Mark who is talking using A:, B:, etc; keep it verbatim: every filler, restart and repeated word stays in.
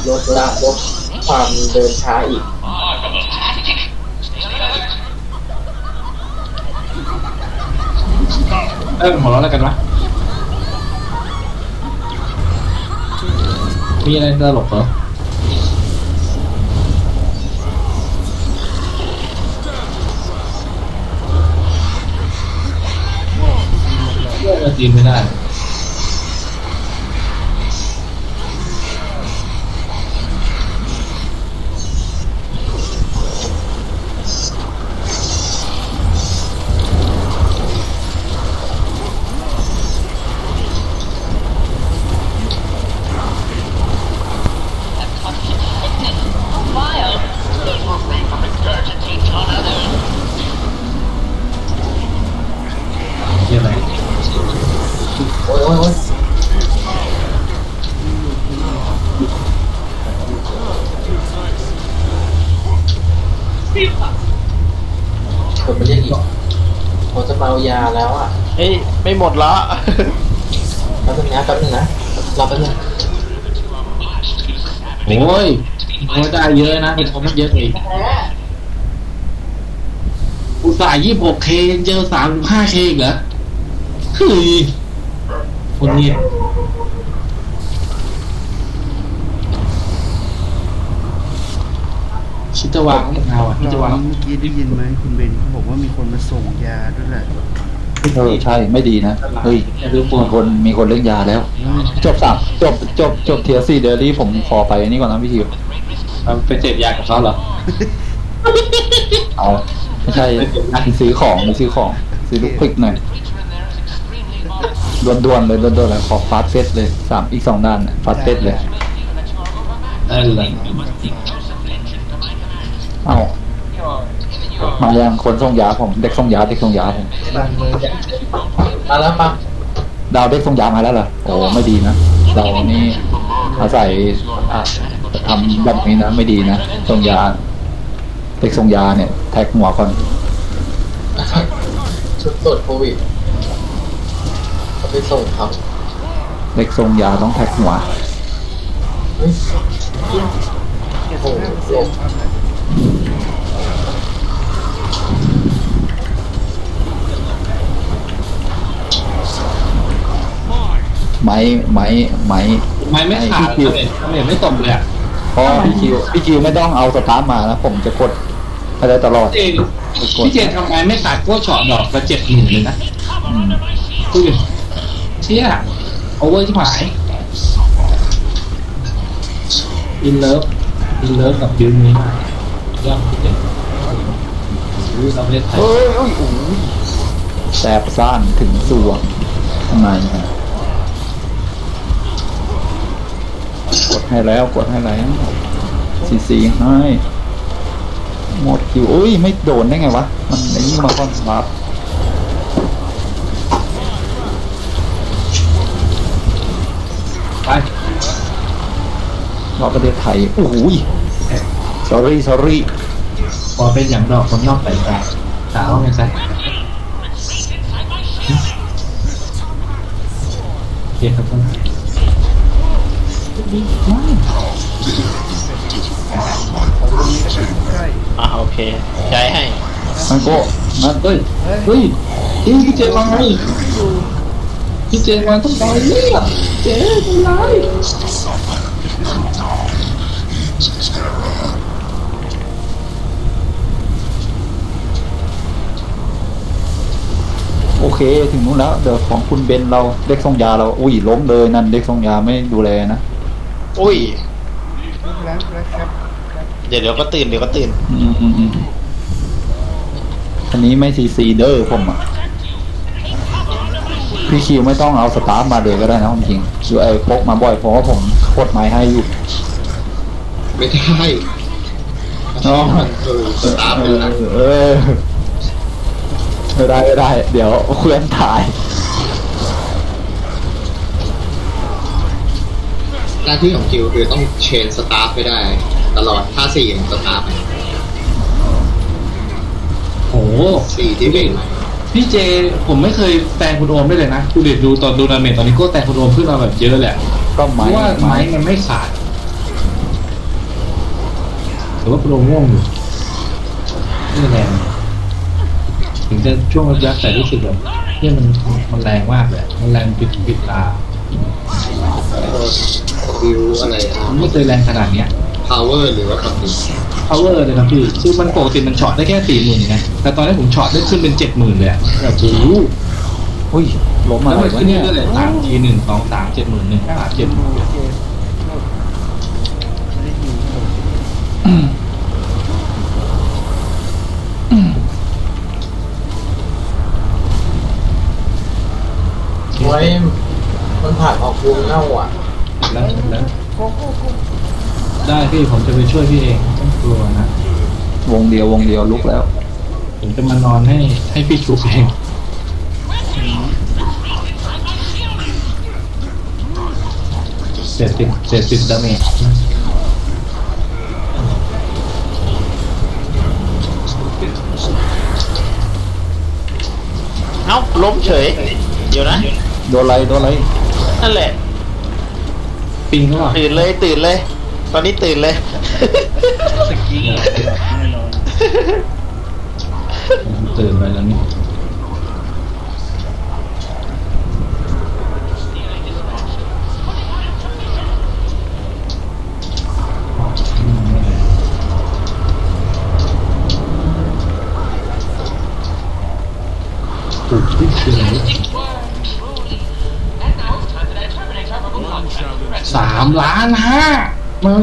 A: ลดละลดความเดินช้าอีก
B: เออหัวเราะอะไรกันวะมีอะไรตลกเหรอเรื่องอะไรจีนไม่ได้เรื่องอะไร
A: โอ้ยโอ้ยโอ้ยคนมาเรียกอีกผมจะเมายาแล้วอ่ะ
C: เฮ้ยไม่หมดละ
A: แป๊บนึงนะแป๊บนึงนะรอแป๊บนึง
B: โอ้ยโอ้ยได้เยอะนะเป็นคนมันเยอะอีกอุตส่าห์ยี่สิบหกเคเจอสามสิบห้าเคเหรอเฮ้ยคนนี้คิดจะวางไม่เอาอ่ะคิดจะวาง
D: เมื่อกี้ได้ยินไหมคุณเบนเขาบอกว่ามีคนมาส่งยาด้วยแหละ
E: เออใช่ไม่ดีนะเฮ้ยมีคนมีคนเล่นยาแล้ว จบสามจบจบจบเทียร์สี่เดลี่ผมขอไปนี่ก่อนนะพี่คิว
B: ไปเสพยากับเขาเหรอ
E: เอาไม่ใช่ซื้อของซื้อของซื้อลูกพริกหน่อยด่วนๆเลยด่วนๆเลยขอฟาสเซตเลยสามอีกสองด้านฟาสเซตเลย
B: เออเลย
E: เอามายังคนส่งยาผมเด็กส่งยาเด็กส่งยาผม
A: มาแล้วปั๊บ
E: ดาวเด็กส่งยามาแล้วเหรอโอ้ไม่ดีนะเรานี่อาศัยอ่ะทำแบบนี้นะไม่ดีนะส่งยาเด็กส่งยาเนี่ยแท็กหัวก่อน
A: ชุดตรวจโควิดเขาไปส่งเขา
E: เด็กส่งยาต้องแท็กหัว
A: เฮ้ยโอ้โหเสีย
E: ไม้ไม้ไม้
B: ไม่ไม่ขาด
E: พี่
B: เลย
E: คิว
B: ทำไมไม่ตบเลยอ่ะ
E: เพราะพี่คิวพี่คิวไม่ต้องเอาสตาร์ทมานะผมจะกดไปได้ตลอด
B: เจนพี่เจนทำไมไม่ขาดพวกช็อตดอกละเจ็ดหมื่นเลยนะ
E: อืม
B: ดูดิเชี่ยโอเวอร์ที่หายอินเลิฟอินเลิฟกับบิวนี้มากยอดพี่เจนรู้เราไม่ได้ไทย
E: เฮ้ยโอ้ยโอ้ยแสบซ่านถึงสวงข้างในฮะกดให้แล้วกดให้แล้วซีซีให้หมดคิวอุ้ยไม่โดนได้ไงวะมันไอ้นี่มาคอนวาร์ป
B: ไป
E: รอบประเทศไทยโอ้ย sorry sorry
B: พอเป็นอย่างดอกคนนอกใส่ตาสาวไงซะโอเคครับท่าน
C: อ่าโอเคใจให้
E: มันก็มัน
B: เฮ้ยเฮ้ยเฮ้ยพี่เจมาไงพี่เจมาต้องตายเนี่ยเจ๊ทำไร
E: โอเคถึงนู้นแล้วเดี๋ยวของคุณเบนเราเด็กส่งยาเราอุ้ยล้มเลยนั่นเด็กส่งยาไม่ดูแลนะ
C: อุ้ย
D: แล้วแล้วครับ
C: เดี๋ยวเดี๋ยวก็ตื่นเดี๋ยวก็ตื่น
E: อืมอืมอืมอันนี้ไม่ซีซีเดอร์ผมอ่ะพี่คิวไม่ต้องเอาสตาร์ทมาเลยก็ได้นะจริงๆอยู่ไอ้พกมาบ่อยเพราะว่าผมกดไม้ให้อยู่
A: ไม่ได้
E: อ๋อ
A: คือสตาร์ท
E: เอ
A: เลยนะ
E: อเออไม่ได้ไม่ได้ เดี๋ยวเคลื่อนถ่าย
A: หน้าที่ของคิวคือต้องเชนสตาร์ทไปได้ตลอดถ้าสี่มันสตาร์ทไป
B: โอ้โห
A: สี่ที่เป็น
B: พี่เจผมไม่เคยแตงคุณโอมได้เลยนะคุณเดชดูตอนดูนาเมตตอนนี้ก็แตงคุณโอมขึ้นมาแบบเยอะแหละ
E: ก็
B: เพ
E: ไม้
B: ราะว่าไม้มันไม่ขาดแต่ว่าโปรง่วงอยู่ไม่แรงถึงจะช่วงยักษ์แต่รู้สึกแบบที่มันมันแรงมากเลยมันแรงปิดปิดตา
A: วิวอะไรอ่ะ
B: มันไม่เคยแรงขนาดเนี้ย
A: power หรือว่าคำนี้
B: power เลยครับพี่คือมันปกติมันช็อตได้แค่สี่หมื่นนะแต่ตอนนี้ผมช็อตได้ขึ้นเป็นเจ็ดหมื่นเลยอะแบบโอ้โห
E: อุ้ยล้ม
B: แล้
E: อะ
B: ว
E: ไร
B: มัน
E: วะ
B: ขึ้น
E: เนี่ย
B: เรื่อยๆเลยสามทีหนึ่งสองสามเจ็ดหมื่นหนึ่งห้าเจ็ดหมื่น
A: ไว้มันผ่านออกวงเน่าอ่ะ
B: แล้วแล้วได้พี่ผมจะไปช่วยพี่เองไม่ต้องกลัวนะ
E: วงเดียววงเดียวลุกแล้ว
B: ผมจะมานอนให้ให้พี่ชุบเองเสร็จติดเสร็จติดดาเมจ
C: เอ้าล้มเฉย เดี๋ยวนะ
E: โดนอะไรโดนอะไร
C: นั่นแหละ
B: ปิงเขาบอก
C: ตื่นเลยตื่นเลย ตอนนี้ตื่นเลย
D: สกีแน่นอน
B: ตื่นไปแล้วนี่ถูกที่เชียงสามล้านห้า